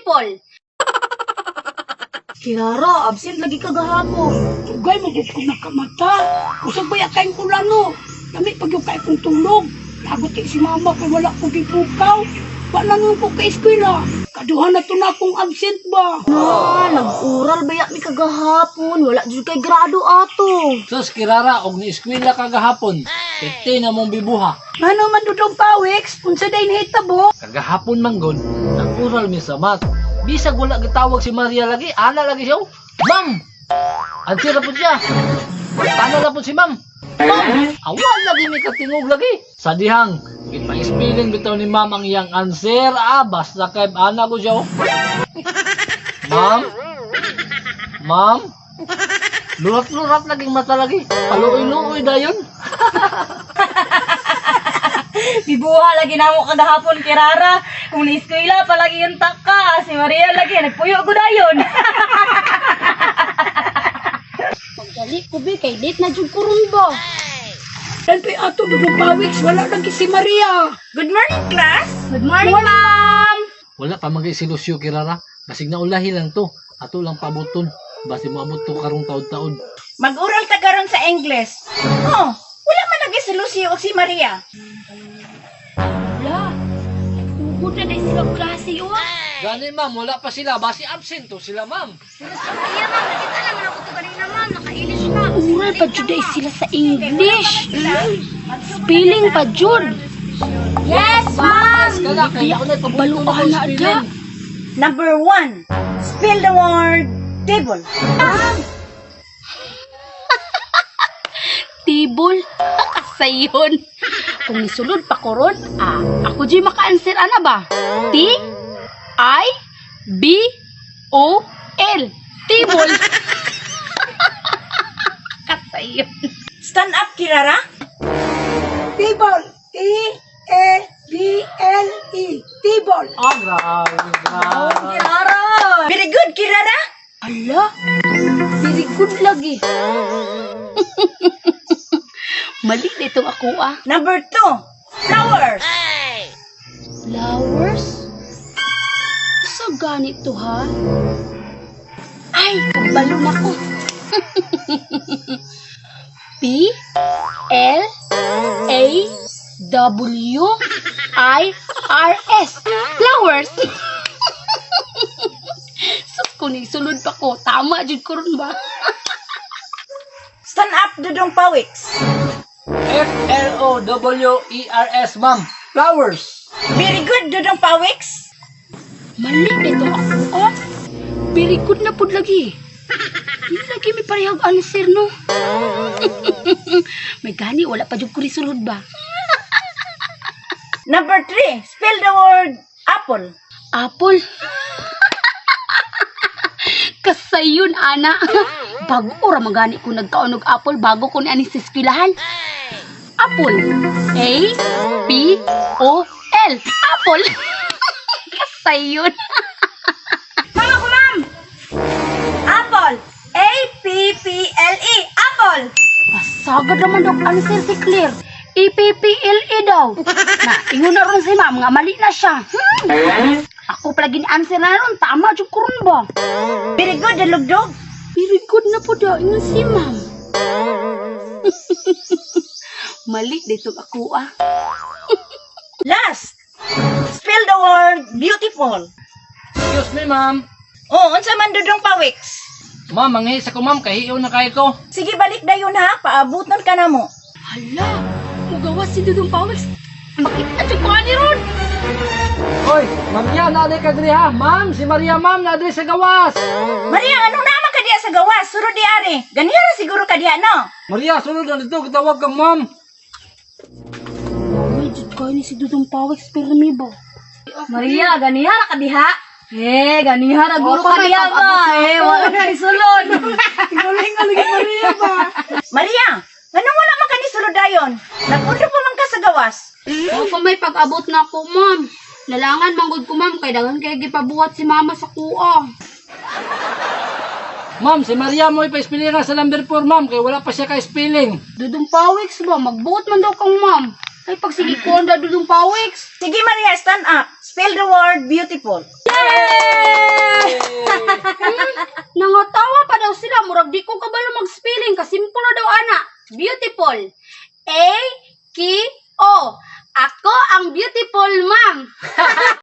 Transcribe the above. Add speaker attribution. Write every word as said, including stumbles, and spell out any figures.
Speaker 1: beautiful. Kiara, absent lagi ka gahapon.
Speaker 2: Tugay mo ko nakamata. Usag ba yakay ko lano? Kami pag yung kay kong tulog. Lagot kay si mama kay wala ko gipukaw. Wala nang ko kay eskwela. Kaduhan na to na akong absent ba?
Speaker 1: Ah, nag-ural ba yak mi kagahapon? Wala jud kay grado ato.
Speaker 3: Sus, Kirara, og ni eskwela ka gahapon. Pete na mong bibuha.
Speaker 2: Ano man dudong pawiks? Unsa day nahitabo?
Speaker 3: Kagahapon manggod, nag-ural mi sa math. Bisag wala gitawag si Maria lagi, ana lagi siya. Ma'am! Answer na po siya. Tana na po si ma'am. Ma'am! Awal lagi may katingog lagi. Sa dihang, ipa-spelling bitaw ni ma'am ang iyang answer. Ah, basta kay ana ko siya. Ma'am? Ma'am? Lurat-lurat laging mata lagi. Paluoy-luoy dayon.
Speaker 1: Bibuha lagi na mo kadahapon, Kirara. Kung ni-eskwela palagi yung taka. Si Maria lagi, nagpuyo ko dayon. Pagdali ko, be, kay date na jud kurun ba?
Speaker 2: Dan pa ato dudong pawiks. Wala lagi si Maria.
Speaker 1: Good morning, class. Good morning, ma'am.
Speaker 3: Wala pa magay si Lucio, Kirara. Basig na ulahi lang to. Ato lang pabuton. Basi mo abot to karong taod-taod.
Speaker 4: Mag-ural ta karon sa English. Oh, wala man lagi si Lucio o si Maria.
Speaker 1: Wala. Ugod na dahil sila klase, oh.
Speaker 3: Gani ma'am, wala pa sila. Basi absent to sila ma'am.
Speaker 1: Kaya, ma'am, nakita naman ako ito kanina, ma'am. Nakailis na.
Speaker 2: Ural pa jud ay sila sa English. Spelling pa jud.
Speaker 1: Yes, ma'am.
Speaker 3: Kala kay ako na pabuton
Speaker 2: Baluhan na ada.
Speaker 4: Number one, spell the word table.
Speaker 2: Tibol. Kasayon. Kung nisulod pa ko ron, ah, ako di maka-answer ana ba? T I B O L. Tibol. Kasayon.
Speaker 4: Stand up, Kirara.
Speaker 2: Tibol. T A B L E. Tibol.
Speaker 3: Ah, grabe, grabe.
Speaker 1: Kirara.
Speaker 4: Very good, Kirara.
Speaker 2: Ala. Very good lagi. Mali dito ako ah.
Speaker 4: Number two, flowers.
Speaker 2: Flowers? Sa ganito ha? Ay, kabalo na ko. P L A W I R S. Flowers. Sus ko ni sulod pa ko. Tama jud ko ron ba?
Speaker 4: Stand up, Dudong Pawiks.
Speaker 3: F L O W E R S, ma'am. Flowers.
Speaker 4: Very good, Dudong Pawiks.
Speaker 2: Mali dito ako ah. Very good na pud lagi. Hindi lagi may parehag answer no. May gani wala pa jud ko sulod ba?
Speaker 4: Number three, spell the word apple.
Speaker 2: Apple. Kasayon, ana. Bago ora magani ko nagkaunog apple bago ko ni ani sa eskwelahan. Apple. A P O L. Apple. Kasayon.
Speaker 4: Mama ko, ma'am. Apple. A P P L E. Apple.
Speaker 2: Pasagad naman daw answer si Claire. A P P L E daw. Na, ingon na ron si ma'am nga mali na siya. Hmm. Ako palagi ni answer na ron. Tama jud ko ron ba?
Speaker 4: Very good, Dalugdog.
Speaker 2: Very good na po daw. Ingon si ma'am. Mali dito ako ah.
Speaker 4: Last, spell the word beautiful.
Speaker 3: Excuse me, ma'am.
Speaker 4: Oh, unsa man, Dudong Pawiks.
Speaker 3: Ma'am, manghihis ako, ma'am. Kahiyo na kayo ko.
Speaker 4: Sige, balik dayon ha. Paabutan ka na mo.
Speaker 2: Hala, mugawas si Dudong Pawiks. Makita siya pa ni Ron.
Speaker 3: Hoy, Maria, naday ka diri ha. Ma'am, si Maria, ma'am, naday sa gawas.
Speaker 4: Maria, anong naman ka diya sa gawas? Suro di ari. Ganira siguro ka diya, no?
Speaker 3: Maria, sunod na dito. Kitawag kang ma'am.
Speaker 2: Ay, jud kayo ni si Dudong Pawiks permi ba?
Speaker 1: Maria, ganihara ka diha. Eh, ganihara guro
Speaker 2: Opo,
Speaker 1: ka
Speaker 2: may
Speaker 1: diha ba?
Speaker 2: pag-abot na
Speaker 1: Eh,
Speaker 2: ako.
Speaker 1: wala na isulod.
Speaker 2: Galing nga lagi Maria ba?
Speaker 4: Maria, anong wala man ka ni sulod dayon? Nagpundo pa man ka sa gawas.
Speaker 2: Ako may pag-abot na ako, ma'am. Lalangan manggod ko, ma'am. Kay dagan kay gipabuhat si mama sa kuha.
Speaker 3: Ma'am, si Maria mo ipa-spelling sa number four, ma'am. Kaya wala pa siya ka-spelling.
Speaker 2: Dudong Pawiks ba? Magbuhat man daw kang ma'am. Ay, pag sige ko, anda Dudong Pawiks.
Speaker 4: Sige, Maria, stand up. Spell the word beautiful.
Speaker 1: Yes,
Speaker 2: Nangatawa pa daw sila, murag di ko kabalo mag-spelling, kasimple na daw ana. Beautiful. A, K, O. Ako ang beautiful, ma'am.